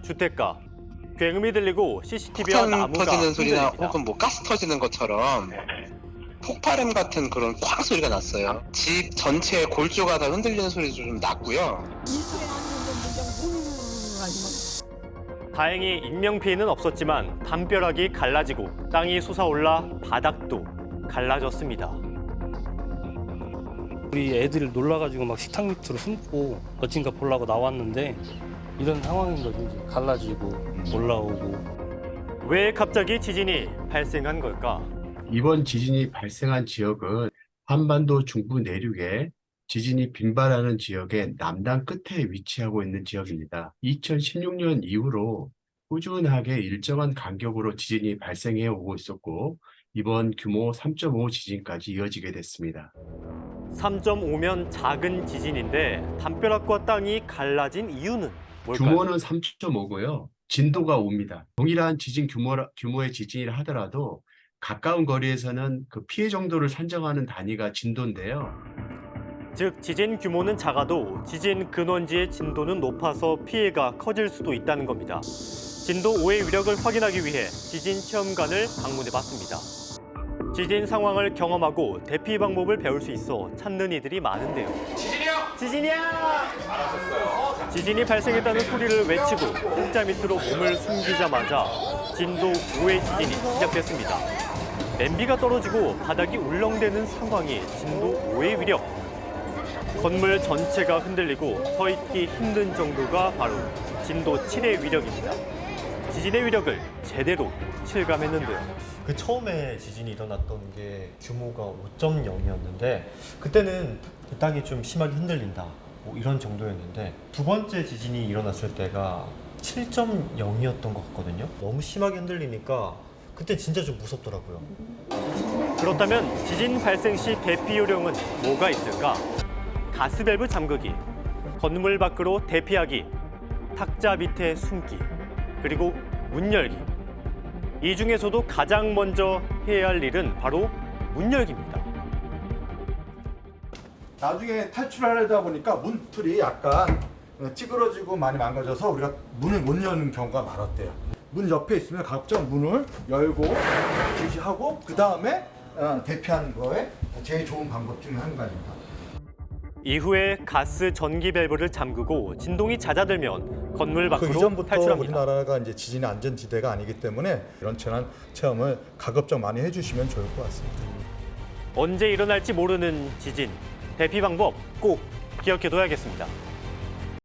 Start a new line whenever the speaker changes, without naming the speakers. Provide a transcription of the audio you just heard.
주택가. 굉음이 들리고 CCTV와
폭탄
나무가
터지는 소리나
흔들립니다.
혹은 뭐 가스 터지는 것처럼 폭발음 같은 그런 쾅 소리가 났어요. 집 전체의 골조가 다 흔들리는 소리도 좀 났고요.
이 소리 나는 아니면
다행히 인명 피해는 없었지만 담벼락이 갈라지고 땅이 솟아올라 바닥도 갈라졌습니다.
우리 애들 놀라가지고 막 식탁 밑으로 숨고 어딘가 보려고 나왔는데 이런 상황인 거지. 이제 갈라지고 올라오고.
왜 갑자기 지진이 발생한 걸까?
이번 지진이 발생한 지역은 한반도 중부 내륙에 지진이 빈발하는 지역의 남단 끝에 위치하고 있는 지역입니다. 2016년 이후로 꾸준하게 일정한 간격으로 지진이 발생해 오고 있었고 이번 규모 3.5 지진까지 이어지게 됐습니다.
3.5면 작은 지진인데 담벼락과 땅이 갈라진 이유는 뭘까요?
규모는 3.5고요. 진도가 5입니다. 동일한 지진 규모의 지진이라 하더라도 가까운 거리에서는 그 피해 정도를 산정하는 단위가 진도인데요.
즉 지진 규모는 작아도 지진 근원지의 진도는 높아서 피해가 커질 수도 있다는 겁니다. 진도 5의 위력을 확인하기 위해 지진 체험관을 방문해 봤습니다. 지진 상황을 경험하고 대피 방법을 배울 수 있어 찾는 이들이 많은데요. 지진이야! 지진이 발생했다는 소리를 외치고 흙자 밑으로 몸을 숨기자마자 진도 5의 지진이 시작됐습니다. 냄비가 떨어지고 바닥이 울렁대는 상황이 진도 5의 위력. 건물 전체가 흔들리고 서 있기 힘든 정도가 바로 진도 7의 위력입니다. 지진의 위력을 제대로 실감했는데요.
그 처음에 지진이 일어났던 게 규모가 5.0이었는데 그때는 그 땅이 좀 심하게 흔들린다 뭐 이런 정도였는데 두 번째 지진이 일어났을 때가 7.0이었던 것 같거든요. 너무 심하게 흔들리니까 그때 진짜 좀 무섭더라고요.
그렇다면 지진 발생 시 대피 요령은 뭐가 있을까? 가스밸브 잠그기, 건물 밖으로 대피하기, 탁자 밑에 숨기, 그리고 문 열기. 이 중에서도 가장 먼저 해야 할 일은 바로 문 열기입니다.
나중에 탈출하려다 보니까 문틀이 약간 찌그러지고 많이 망가져서 우리가 문을 못 여는 경우가 많았대요. 문 옆에 있으면 각종 문을 열고 지시하고 그 다음에 대피하는 거에 제일 좋은 방법 중에 한 가지입니다.
이후에 가스 전기 밸브를 잠그고 진동이 잦아들면 건물
그
밖으로
이전부터
탈출합니다.
우리나라가 이제 지진 안전지대가 아니기 때문에 이런 체험을 가급적 많이 해주시면 좋을 것 같습니다.
언제 일어날지 모르는 지진. 대피 방법 꼭 기억해둬야겠습니다.